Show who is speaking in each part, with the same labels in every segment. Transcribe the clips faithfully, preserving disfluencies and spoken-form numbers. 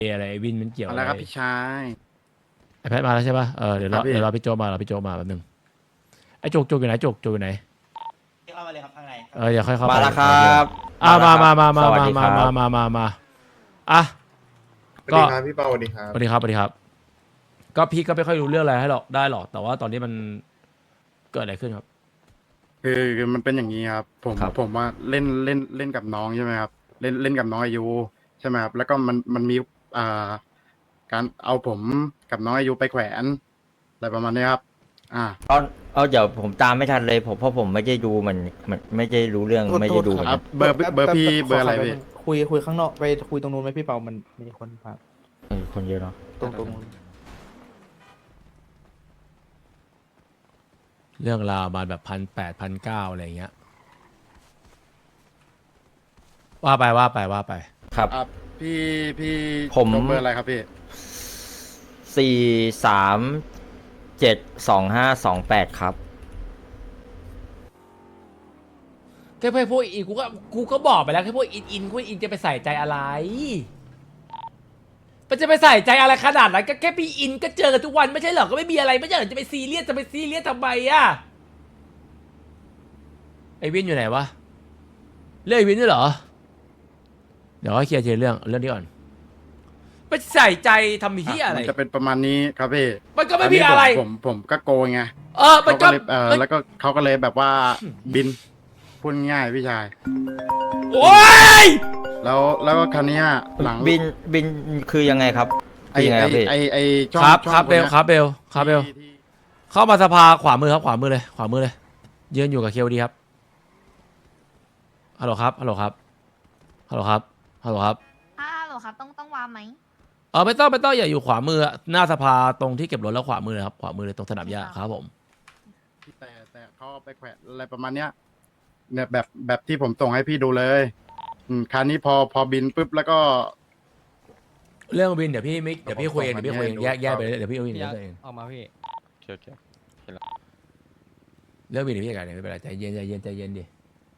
Speaker 1: อะไรไอ้วินมันเกี่ยว
Speaker 2: มา
Speaker 1: อะไร
Speaker 2: แล้วครับพี่ชาย
Speaker 1: ไอแพทมาแล้วใช่ป่ะเออเดี๋ยว
Speaker 2: ครั
Speaker 1: เรา
Speaker 2: บพี่
Speaker 1: เดี๋ยวเราพี่โจมาเราพี่โจมาแป๊บนึงไอโจกโจกอยู่ไหนโจกโจกอยู่ไหน
Speaker 3: เข้ามาเลยครับข้างใน
Speaker 1: เอออย่าค่อยเข้าไป
Speaker 4: มาแล้วครับ
Speaker 1: อ่ามามามามา
Speaker 4: สวัส
Speaker 1: มา
Speaker 4: ดี
Speaker 1: มา
Speaker 4: ครับ
Speaker 1: มามามามาอ่ะ
Speaker 5: สวัส
Speaker 1: ก็
Speaker 5: ดีครับพี่เปาสวัสดีครับ
Speaker 1: สวัสดีครับสวัสดีครับ ก็พี่ก็ไม่ค่อยรู้เรื่องอะไรให้หรอกได้หรอกแต่ว่าตอนนี้มันเกิดอะไรขึ้นครับ
Speaker 2: คือคือมันเป็นอย่างนี้ครับ ผม
Speaker 1: ครับ
Speaker 2: ผมว่าเล่นเล่นเล่นกับน้องใช่ไหมครับ เล่นเล่นกับน้องอายุใช่ไหมครับ แล้วก็มันมันมีอ่าการเอาผมกับน้องอายุไปแขวนอะไรประมาณนี้ครับ อ่า
Speaker 4: เอาเอาเดี๋ยวผมตามไม่ทันเลยผมเพราะผมไม่ได้ดูมันมันไม่ได้รู้เรื่องไม่ได้ดูเหมือน
Speaker 2: ครั
Speaker 4: กับ น
Speaker 2: เบอร์เบอร์พี่เบอร์อะไรพี่
Speaker 6: คุยคุยข้างนอกไปคุยตรงนู้นไหมพี่เปามันมีคนพา
Speaker 4: เออคนเยอะเนาะ
Speaker 6: ตรงตรงนู้น
Speaker 1: เรื่องราวมาแบบพันแปดพันเก้าอะไรอย่างเงี้ยว่าไปว่าไปว่าไป
Speaker 4: ครับ
Speaker 2: อ่าพี่พี่
Speaker 4: ผม
Speaker 2: เบอร์อะไรครับพี่
Speaker 4: สี่สามเจ็ดสองห้าสองแปดครับ
Speaker 1: แค่พวกอินกูก็กูก็บอกไปแล้วแค่พวกอินอินพวกอินจะไปใส่ใจอะไรมันจะไปใส่ใจอะไรขนาดนั้นก็แค่พี่อินก็เจอกันทุกวันไม่ใช่เหรอก็ไม่มีอะไรไม่ใช่เหรอจะไปซีเรียสจะไปซีเรียสทำไมอะไอวินอยู่ไหนวะเรื่องไอวินด้วยเหรอเดี๋ยวให้เคลียร์ทีละเรื่องเรื่องนี้ก่อนไปใส่ใจทำที่อะไร
Speaker 2: มันจะเป็นประมาณนี้ครับพี่
Speaker 1: มันก็ไม่มีอะไร
Speaker 2: ผมผมผมก็โกงไง
Speaker 1: เออมัน
Speaker 2: เขา
Speaker 1: ก็
Speaker 2: ก็เลยเออแล้วก็เขาก็เลยแบบว่าบินพูดง่ายพี่ชาย
Speaker 1: โอ้ย
Speaker 2: แล้วแล้วก็คันนี้ยหลัง
Speaker 4: บินบินคือยังไงครับ
Speaker 2: ไอ
Speaker 4: คือยังไง
Speaker 2: ไอ
Speaker 4: ครับพี่
Speaker 2: ไอไอช่อง
Speaker 1: ครับ
Speaker 2: ช่อง
Speaker 1: ครับเบล
Speaker 2: นนี้ย
Speaker 1: ครับเบลครับเบล
Speaker 2: ที่ที่
Speaker 1: เข้ามาสภาขวามือครับขวามือเลยขวามือเลยยืนอยู่กับเคลดีครับฮัลโหลครับฮัลโหลครับฮัลโหลครับฮัลโหลครับ
Speaker 7: ฮัลโหลครับต้องต้องวางไหม
Speaker 1: เออไม่ต้องไม่ต้องอย่าอยู่ขวามืออะหน้าสภาตรงที่เก็บรถแล้วขวามือเลยครับขวามือเลยตรงสนามหญ้าครับผม
Speaker 2: แต่แต่เขาเอาไปแขวนอะไรประมาณเนี้ยเนี่ยแบบแบบที่ผมส่งให้พี่ดูเลยอืมคันนี้พอพอบินปุ๊บแล้วก็
Speaker 1: เรื่องวินเดี๋ยวพี่ไม่เดี๋ยวพี่คุยเองเดี๋ยวพี่คุยเอง
Speaker 2: ผม
Speaker 1: แยกแยก
Speaker 2: ครับ
Speaker 1: ไปเลยเดี๋ยวพี่เอาวินเดี๋ยวเอง
Speaker 8: ออกมาพี่
Speaker 3: โอเค
Speaker 1: เรื่องวินเดี๋ยวพี่จัดการเดี๋ยวไม่เป็นไรใจเย็นใจเย็นใจเย็นดิ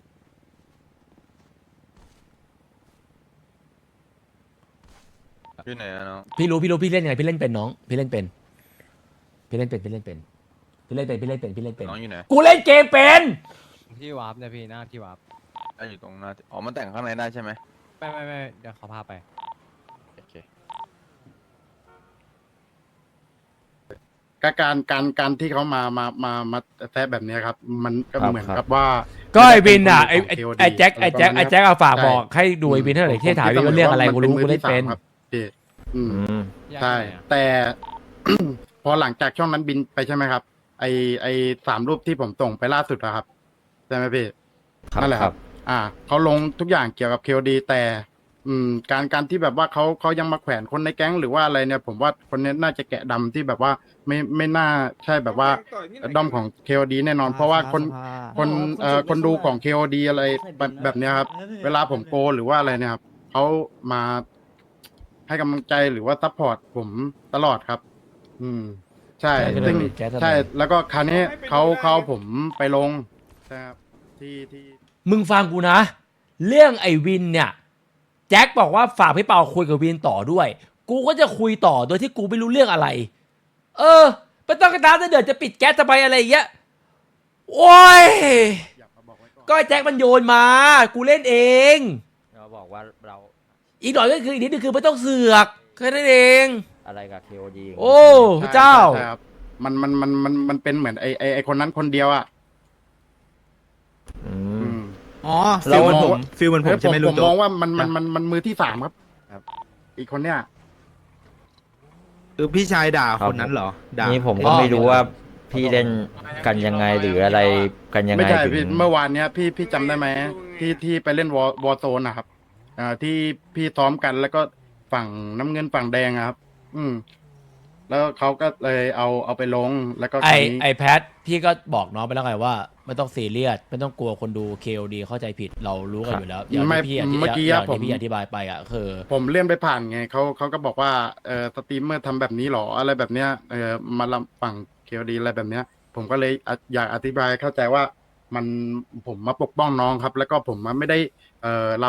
Speaker 3: อยู่ไหนอะน้อง
Speaker 1: พี่รู้พี่รู้พี่เล่นยังไงพี่เล่นเป็นน้องพี่เล่นเป็นพี่เล่นเป็นพี่เล่นเป็นพี่เล่นเป็นพี่เล่นเป็นพี่เล่นเป็น
Speaker 3: น้องอยู่ไหน
Speaker 1: กูเล่นเกมเป็น
Speaker 8: ที่วาร์ปเนี่ยพี่หน้าที่วาร์ป
Speaker 3: อ่ะอยู่ตรงหน้าอ๋อมันแต่งข้างในได้ใช่ไหม
Speaker 8: ไม่ไม่ไม่เดี๋ยวเขาพาไป
Speaker 3: โอเค
Speaker 2: การการการการที่เขามามามามาแทะแบบเนี้ยครับ มันก็
Speaker 4: ครับ
Speaker 2: เหมือน
Speaker 4: ครับ
Speaker 2: กับว่า
Speaker 1: ก็ไอวินอ่ะไอ
Speaker 2: ม่
Speaker 1: ไอ้
Speaker 2: ด้เป็นคนของ
Speaker 1: ไอแจ็ค
Speaker 2: เค
Speaker 1: ไอแจ็คไอแจ็คเอาฝาก
Speaker 2: ใช่
Speaker 1: บอกให้ดูไอวินเท่าไหร่ที่ถามวินว่าเรื่องอะไรกูรู้กูเล่นเป็น
Speaker 2: ครับพี่อืม
Speaker 4: อืม
Speaker 2: ใช่ แต่ พอหลังจากช่องนั้นบินไปใช่ไหมครับ ไอไอสามรูปที่ผมส่งไปล่าสุดอะครับใช่ไหมพี่
Speaker 4: ครับ
Speaker 2: นั่นแหละ
Speaker 4: ค
Speaker 2: ค
Speaker 4: รั
Speaker 2: รับ บ อ่าเขาลงทุกอย่างเกี่ยวกับเคดี แต่ อืม การการที่แบบว่าเขาเขายังมาแขวนคนในแก๊งหรือว่าอะไรเนี่ย ผมว่าคนนี้น่าจะแกะดำที่แบบว่าไม่ไม่น่าใช่แบบว่าด้อมของเคดีแน่นอน เพราะว่าคนคนเอ่อคนดูของเคดีอะไรแบบแบบเนี้ยครับ เวลาผมโกหรือว่าอะไรเนี่ยครับเขามาให้กำลังใจหรือว่าซัพพอร์ตผมตลอดครับ อืม ใช่
Speaker 1: ใช่
Speaker 2: ซึ่ง
Speaker 1: แจ๊สทำไม
Speaker 2: ใช่ แล้วก็คราวนี้เขาเขาเอาผมไปลงใช่ครับที่ที่
Speaker 1: มึงฟังกูนะ เรื่องไอวินเนี่ยแจ็คบอกว่าฝากพี่เปาคุยกับวินต่อด้วย กูก็จะคุยต่อโดยที่กูไม่รู้เรื่องอะไร เออไม่ต้องกระตามเดือดจะปิดแก๊สจะไปอะไรอย่างเงี้ยโอ้ย
Speaker 2: อยากมาบอกไว้ก่อน
Speaker 1: ก็ไอ้แจ็คมันโยนมา กูเล่นเอง
Speaker 4: เราบอกว่าเรา
Speaker 1: อีกหน่อยก็คืออีกนิดนึงคือไม่ต้องเสือกแค่นั้นเอง
Speaker 4: อะไรกับเคโอดี
Speaker 1: โอ้พระเจ้า
Speaker 2: ใช่ครับมันมันมันมันมันเป็นเหมือนไอไอไอคนนั้นคนเดียวอ่ะ
Speaker 4: อื
Speaker 2: อื
Speaker 4: ม
Speaker 2: ม
Speaker 6: อ๋อ
Speaker 4: เรา
Speaker 6: ฟิลเหมือนผมฟิลเหมือนผม
Speaker 2: เออ
Speaker 6: ใช่ไหม
Speaker 2: ผ
Speaker 6: ลุ
Speaker 2: ม
Speaker 6: ง
Speaker 2: ม
Speaker 6: โจ๊
Speaker 2: อง
Speaker 6: ก
Speaker 2: ว่ามันมันมันมันมือที่สามครับ ครับ อีกคนเนี้ย
Speaker 6: คือพี่ชายด่า
Speaker 4: ครับ
Speaker 6: คนนั้นเหรอด่า
Speaker 4: นี่ผมก็ไม่รู้ว่าพี่เล่นกันยังไงหรืออะไรกันยัง
Speaker 2: ไม่
Speaker 4: ไง
Speaker 2: ใช่
Speaker 4: ถึ
Speaker 2: พี่
Speaker 4: ง
Speaker 2: เมื่อวานเนี้ยพี่พี่จำได้ไหมที่ที่ไปเล่นวอวอโซนนะครับอ่าที่พี่ซ้อมกันแล้วก็ฝั่งน้ำเงินฝั่งแดงอะครับ อืม แล้วเขาก็เลยเอาเอาไปลงแล้วก็
Speaker 1: ไอ
Speaker 2: คราวนี้
Speaker 1: ไอแพทพี่ก็บอกน้องไปแล้วไงว่าไม่ต้องซีเรียสไม่ต้องกลัวคนดู เค โอ ดี เข้าใจผิดเรารู้กันอยู่แล้วอย่าง
Speaker 2: ไม่
Speaker 1: ที่พี่อธิ
Speaker 2: เมื่อกี้
Speaker 1: อย่าง
Speaker 2: อะผม
Speaker 1: ที่พี่อธิบายไปอ่ะคือ
Speaker 2: ผมเลื่อนไปผ่านไงเขาเขาก็บอกว่าเออสตรีมเมอร์ทำแบบนี้หรออะไรแบบเนี้ยเออมาลำฝั่งเคดีอะไรแบบเนี้ย ผมก็เลยอะอยากอธิบายเข้าใจว่ามันผมมาปกป้องน้องครับ แล้วก็ผมมาไม่ได้เอ่อลำ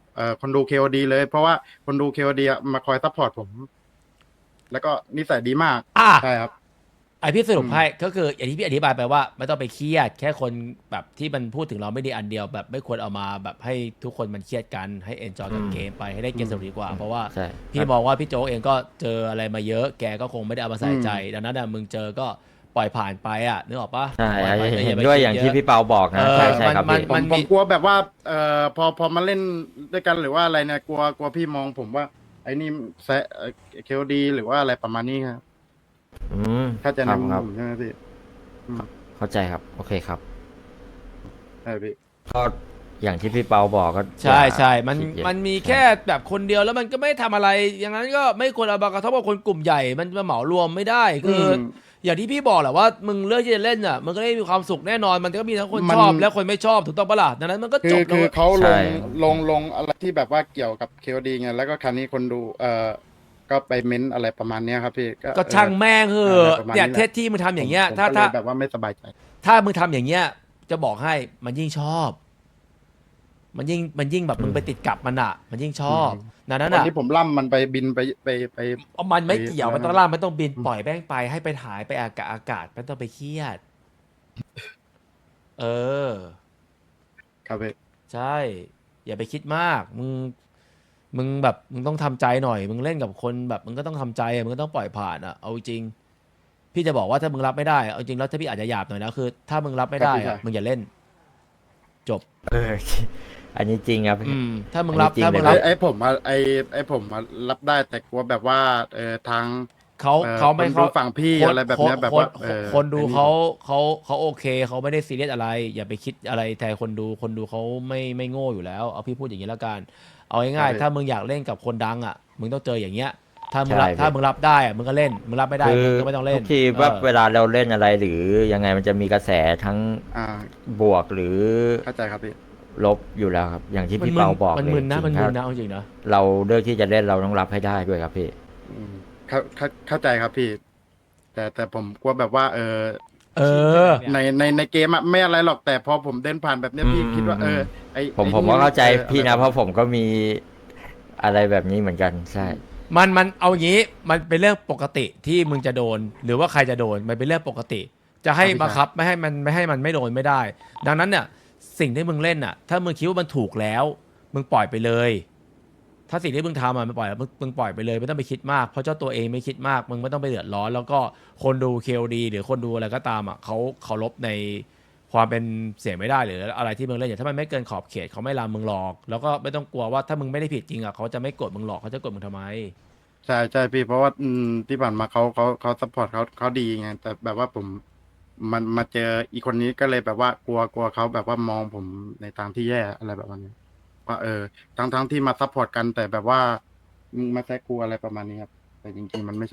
Speaker 2: เอ่อคนดูเคโอดีเลย เพราะว่าคนดูเคโอดีมาคอยซัพพอร์ตผม แล้วก็นิสัยดีมาก
Speaker 1: อ่ะ
Speaker 2: ใช่ครับ
Speaker 1: ไอพี่สรุป
Speaker 2: อืม
Speaker 1: ให้ก็คืออย่างที่พี่อธิบายไปว่าไม่ต้องไปเครียด แค่คนแบบที่มันพูดถึงเราไม่ดีอันเดียวแบบไม่ควรเอามาแบบให้ทุกคนมันเครียดกันให้เอนจอยกับ
Speaker 4: อืม
Speaker 1: เกมไปให้ได้เกมสนุกดีกว่า เพราะว่า
Speaker 4: ใช่
Speaker 1: พี่มองว่าพี่โจ๊กเองก็เจออะไรมาเยอะ แกก็คงไม่ได้เอามาใส่ใจ ดังนั้นน่ะมึงเจอก็ปล่อยผ่านไปอ่ะนึกออกปะ
Speaker 4: ใช่
Speaker 1: ปล่อยไป
Speaker 4: เห็น
Speaker 1: ไป
Speaker 4: ด้วย
Speaker 1: คิ
Speaker 4: อย่าง
Speaker 1: เะ
Speaker 4: ที่พี่เปาบอกนะ
Speaker 1: เออ
Speaker 4: ใช่ใช่ครับ
Speaker 1: มัน
Speaker 4: พี่
Speaker 2: ผม
Speaker 1: มัน
Speaker 2: ผ
Speaker 1: มี
Speaker 2: มกลัวแบบว่า เอ่อพอพอมาเล่นด้วยกันหรือว่าอะไรเนี่ยกลัวกลัวพี่มองผมว่า ไอ้นี่แซะเคโอดีหรือว่าอะไรประมาณนี้ครับ
Speaker 4: อืม
Speaker 2: ถ้าใจะ
Speaker 4: ครับ
Speaker 2: นำ
Speaker 4: ครับ
Speaker 2: ผมใช่ไหมพี่อืม
Speaker 4: เข้าใจครับ โอเคครับ
Speaker 2: ใช่พี่
Speaker 4: ก็อย่างที่พี่เปาบอกก็
Speaker 1: ใช่
Speaker 4: อย่า
Speaker 1: ใช่มัน
Speaker 4: ขี้เกียจ
Speaker 1: มันมีแค่แบบคนเดียวแล้วมันก็ไม่ทำอะไร อย่างนั้นก็ไม่ควรเอามากระทบกับคนกลุ่มใหญ่ มันมาเหมารวมไม่ได้คืออ
Speaker 2: ม
Speaker 1: อย่างที่พี่บอกแหละว่ามึงเลือกที่จะเล่นอ่ะมันก็ได้มีความสุขแน่นอนมันก็มีทั้งคน
Speaker 2: มัน
Speaker 1: ชอบและคนไม่ชอบถูกต้องปะล่ะดังนั้นมันก็
Speaker 2: คื
Speaker 1: จ
Speaker 2: อบ
Speaker 1: แล้ว
Speaker 2: คือ
Speaker 1: เว้ย
Speaker 2: เขาล
Speaker 4: ใช่
Speaker 2: งลงลงอะไรที่แบบว่าเกี่ยวกับเคโอดีไงแล้วก็ครั้นี้คนดูเอ่อก็ไปเม้นอะไรประมาณเนี้ยครับพี่
Speaker 1: ก็ช่าง
Speaker 2: เออ
Speaker 1: แม่งเห
Speaker 2: อะไร
Speaker 1: อะ
Speaker 2: ประมาณนี้
Speaker 1: เนี่ย
Speaker 2: แหละ
Speaker 1: เทสที่มึงทำอย่างเงี้ย
Speaker 2: ผม
Speaker 1: ถ้า
Speaker 2: ก็เล
Speaker 1: ถ้า
Speaker 2: แบบว่าไม่สบายใจ
Speaker 1: ถ้ามึงทำอย่างเงี้ยจะบอกให้มันยิ่งชอบ มันยิ่งมันยิ่งแบบมึงไปติดกับมันอ่ะ มันยิ่งชอบดังนั้น
Speaker 2: วัน
Speaker 1: อ่ะ
Speaker 2: ที่ผมล่ำมันไปบินไปไปไป
Speaker 1: เอามันไม่เกี่ยว
Speaker 2: ไป
Speaker 1: มันต้องล่ามันต้องบินปล่อยแม่งไปให้ไปถ่ายไปอากาศอากาศไม่ต้องไปเครียด เออ
Speaker 2: ครับพี่
Speaker 1: ใช่ อย่าไปคิดมาก มึง มึงแบบมึงต้องทำใจหน่อย มึงเล่นกับคนแบบมึงก็ต้องทำใจอะมึงก็ต้องปล่อยผ่านอ่ะ เอาจริง พี่จะบอกว่าถ้ามึงรับไม่ได้อะเอาจริงแล้วถ้าพี่อาจจะหยาบหน่อยนะคือ ถ้ามึงรับไม่ได้
Speaker 2: ครับพี่
Speaker 1: อะ
Speaker 2: ชาย
Speaker 1: มึงอย่าเล่น จบ
Speaker 4: เออ อันนี้จริงครับ
Speaker 1: อืม ถ้ามึงรับ
Speaker 4: อันนี้จริง
Speaker 1: ถ้ามึง
Speaker 4: เล
Speaker 1: รั
Speaker 4: ย
Speaker 1: บ
Speaker 2: ไอ้ไอ้ผมอะไอ้ไอ้ผมอะรับได้แต่กลัวแบบว่าเออทาง
Speaker 1: เขา
Speaker 2: เอ่อ
Speaker 1: เขาไม่
Speaker 2: คนดู
Speaker 1: เขา
Speaker 2: ฝั่งพี่
Speaker 1: คน
Speaker 2: อะไรแบบเนี้ย
Speaker 1: คน
Speaker 2: แบบว่า
Speaker 1: คน
Speaker 2: เออ
Speaker 1: คนดู
Speaker 2: ไอ้นี่
Speaker 1: เขาเขาเขาโอเคเขาไม่ได้ซีเรียสอะไร อย่าไปคิดอะไรแทนคนดูคนดูเขาไม่ไม่โง่อยู่แล้ว เอาพี่พูดอย่างนี้แล้วกัน เอาง่ายๆถ้ามึงอยากเล่นกับคนดังอ่ะ มึงต้องเจออย่างเงี้ย ถ้ามึงรับ
Speaker 4: ใช่
Speaker 1: ถ้ามึงรับได้อ่ะมึงก็เล่น มึงรับไม่ได้
Speaker 4: คือ
Speaker 1: มึงก็ไม่ต้องเล่
Speaker 4: ทุ
Speaker 1: น
Speaker 4: กทีว่า
Speaker 1: เออ
Speaker 4: เวลาเราเล่นอะไรหรือยังไงมันจะมีกระแสทั้ง
Speaker 2: อ่า
Speaker 4: บวกหรือ
Speaker 2: เข้าใจครับพี่
Speaker 4: ลบอยู่แล้วครับ อย่างที่
Speaker 1: มัน
Speaker 4: พี่
Speaker 1: มึน
Speaker 4: เปาบอก
Speaker 1: มัน
Speaker 4: เลย
Speaker 1: มึนนะ
Speaker 4: จริง
Speaker 1: มัน
Speaker 4: ถ้า
Speaker 1: มึนนะเอาจริงนะ
Speaker 4: เราเลือกที่จะเล่นเราต้องรับให้ได้ด้วยครับพี่
Speaker 2: อืมเข้าเข้าเข้าใจครับพี่ แต่แต่ผมกลัวแบบว่า เออ
Speaker 1: เออ
Speaker 2: ในในในเกมอะไม่อะไรหรอกแต่พอผมเดินผ่านแบบเนี้ยพี่
Speaker 4: อืม
Speaker 2: คิดว่า
Speaker 4: อื
Speaker 2: เอ
Speaker 4: ม
Speaker 2: อไอ
Speaker 4: ผม
Speaker 2: ไอ้
Speaker 4: ผมก็เข้าใจ
Speaker 2: ออ
Speaker 4: พี่นะ
Speaker 2: อ
Speaker 4: เพราะผมก็มีอะไรแบบนี้เหมือนกันใช่
Speaker 1: มันมันเอาอย่างนี้มันเป็นเรื่องปกติที่มึงจะโดน หรือว่าใครจะโดนมันเป็นเรื่องปกติ จะให้บังคับไม่ให้มันไม่ให้มันไม่โดนไม่ได้ ดังนั้นเนี่ยสิ่งที่มึงเล่นอ่ะ ถ้ามึงคิดว่ามันถูกแล้ว มึงปล่อยไปเลย ถ้าสิ่งที่มึงทำอ่ะมันปล่อยมึงมึงปล่อยไปเลยไม่ต้องไปคิดมากเพราะเจ้าตัวเองไม่คิดมากมึงไม่ต้องไปเดือดร้อน แล้วก็คนดู เค โอ ดี หรือคนดูอะไรก็ตามอ่ะเขาเคารพในความเป็นเสียงไม่ได้หรืออะไรที่มึงเล่นอย่างถ้ามันไม่เกินขอบเขตเขาไม่ลามมึงหลอก แล้วก็ไม่ต้องกลัวว่าถ้ามึงไม่ได้ผิดจริงอ่ะเขาจะไม่กดมึงหลอกเขาจะกดมึงทำไม
Speaker 2: ใช่ใช่พี่เพราะว่าอืมที่ผ่านมาเขาเขาเขาซัพพอร์ตเขาเขาดีไงแต่แบบว่าผมมันมาเจออีกคนนี้ก็เลยแบบว่ากลัวกลัวเขาแบบว่ามองผมในทางที่แย่อะไรแบบนี้ว่าเออทั้งทั้งที่มาซัพพอร์ตกันแต่แบบว่ามึงมาแซะกูอะไรประมาณนี้ครับแต่จริงๆมันไม่ใช่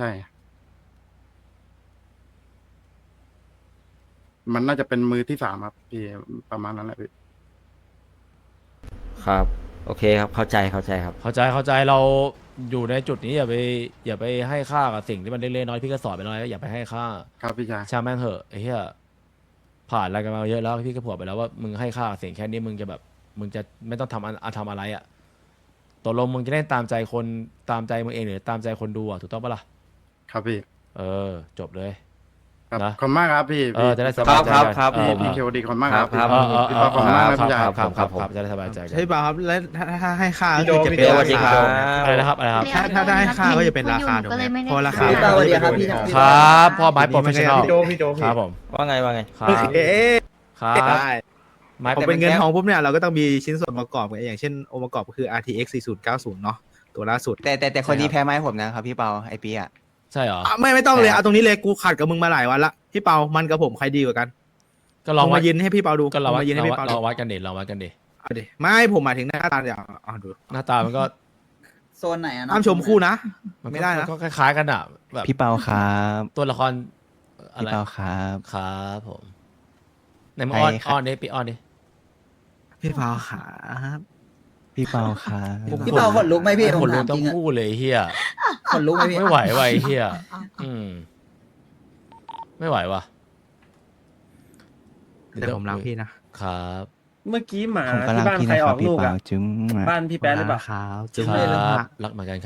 Speaker 2: มันน่าจะเป็นมือที่สามครับพี่ประมาณนั้นแหละพี่
Speaker 4: ครับ โอเคครับเข้าใจเข้าใจครับ
Speaker 1: เข้าใจเข้าใจเราอยู่ในจุดนี้อย่าไปอย่าไปให้ค่ากับสิ่งที่มันเล็กๆน้อยๆพี่ก็สอนไปน้อยอย่าไปให้ค่า
Speaker 2: ครับพี่ชาย
Speaker 1: ช่างแม่งเหอะไอ้เหี้ยผ่านอะไรกันมาเยอะแล้วพี่ก็ผัวไปแล้วว่ามึงให้ค่ากับสิ่งแค่นี้มึงจะแบบ มึงจะไม่ต้องทำอันอ่ะทำอะไรอ่ะตกลงมึงจะเล่นตามใจคนตามใจมึงเองหรือตามใจคนดูอ่ะถูกต้องปะล่ะ
Speaker 2: ครับพี่
Speaker 1: เออ จบเลย
Speaker 2: ครับ
Speaker 1: นะ
Speaker 2: ขอบคุณมากครับพี่
Speaker 1: เออจะได้ส
Speaker 4: ค
Speaker 1: บา
Speaker 4: รั
Speaker 1: ย
Speaker 4: บ
Speaker 1: ใจ
Speaker 4: ครับ
Speaker 1: กัน
Speaker 4: ครับ
Speaker 1: เออ
Speaker 2: พี่พี่เคโอดีขอบคุณมากครับ
Speaker 4: ครับ
Speaker 1: เออเออเอ
Speaker 2: พี่
Speaker 1: อ
Speaker 2: ปาขอบคุณมากครับพี่ชาย
Speaker 1: ครับครับ
Speaker 4: ครับ
Speaker 1: ครับจะได้สบายใจกัน
Speaker 6: ใช่เปล่าครับแล้วถ้าถ้าให้ค่าก็
Speaker 5: พี่
Speaker 6: คือ
Speaker 5: โด
Speaker 6: จะ
Speaker 5: พี่
Speaker 6: เป็น
Speaker 5: โด
Speaker 6: รา
Speaker 4: สวัสดี
Speaker 6: คา
Speaker 4: ครับ
Speaker 1: อะไรนะครับอะไรครับ
Speaker 6: ถ้าถ้าได้ค่าก็จะเป็นราคาถูก
Speaker 7: ก็
Speaker 6: ไหม
Speaker 7: เลยไม่ได้
Speaker 6: เพราะราคา
Speaker 5: พี่เปาสวัสดีครับพี่
Speaker 1: ครับพ่อไม้โปรเฟชชั่นอล
Speaker 5: พี่โดพี่โดพี่
Speaker 1: ครับผม
Speaker 4: ว่าไงว่าไง
Speaker 1: ครับ
Speaker 6: เอ๊ะ
Speaker 1: ครับ
Speaker 6: ได้
Speaker 1: ไม้
Speaker 6: พอเป็นเงินทองปุ๊บเนี่ยเราก็ต้องมีชิ้นส่วนประกอบกันอย่างเช่นองค์ประกอบก็คือ อาร์ ที เอ็กซ์ สี่ศูนย์เก้าศูนย์เนาะตัวล่าสุด
Speaker 5: แต่แต่แต่คนนี้แพ้ไม้ผมนะครับพี่เปาไอปีอ่ะ
Speaker 1: ใช่เหรอ
Speaker 6: อ่ะไม่ไม่ต้องเลยเอาตรงนี้เลยกูขัดกับมึงมาหลายวันละพี่เปามันกับผมใครดีกว่ากัน
Speaker 1: ก็ล
Speaker 6: ล
Speaker 1: อ
Speaker 6: อง ง
Speaker 1: วั
Speaker 6: มา
Speaker 1: ด
Speaker 6: ยืนให้พี่เปาดู
Speaker 1: ก็เรา
Speaker 6: ล
Speaker 1: วั
Speaker 6: อ
Speaker 1: ด
Speaker 6: งมายืนให้
Speaker 1: เรา
Speaker 6: พี่
Speaker 1: วัด
Speaker 6: เปาดู
Speaker 1: เราวัดกันดิเราวัดกันดิ
Speaker 6: เอาดิไม่ผมหมายถึงหน้าตาอย่างอ่ะดู
Speaker 1: หน้าตามันก็
Speaker 5: โซนไหนอ่ะ
Speaker 6: ห้ามชมคู่นะ
Speaker 1: มันก็
Speaker 6: ไม่ได้นะ
Speaker 1: ก็คล้ายๆกันอ่ะแบบ
Speaker 5: พี่เปาครับ
Speaker 1: ตัวละครอะ
Speaker 5: พี่
Speaker 1: ไร
Speaker 5: เปาครับ
Speaker 1: ครับผมในมึงอ้อน
Speaker 5: ใครครับ
Speaker 1: อ้อนดิปีอ้อนดิ
Speaker 6: พี่เปาขาบ
Speaker 5: พี่เปาครับ
Speaker 6: พี่เปาขนลุกไหมพี่
Speaker 1: คนรู้ต้องพูดเลยเฮีย
Speaker 6: คนลุกไหมพี่
Speaker 1: ไม่ไหวว่ะไอ้เฮียอืมไม่ไหวว่ะ
Speaker 6: แต่ผมรักพี่นะครับ
Speaker 9: เมื่อกี้หมา
Speaker 5: ผมก็
Speaker 9: ที่
Speaker 5: รัก
Speaker 9: บ้าน
Speaker 5: พี่
Speaker 9: ใคร
Speaker 5: นะค
Speaker 9: อ
Speaker 5: รั
Speaker 9: อบ ก
Speaker 5: พี่
Speaker 9: ลูก
Speaker 5: เปา
Speaker 9: อ่ะ
Speaker 5: จุ๊ง
Speaker 9: บ้านพี่แป๊ะหรือเปล่า
Speaker 5: ครับจุ๊ง
Speaker 1: ค
Speaker 5: เลยนะ
Speaker 1: รั
Speaker 5: ครับ บ
Speaker 1: รักเหมือนกันครับ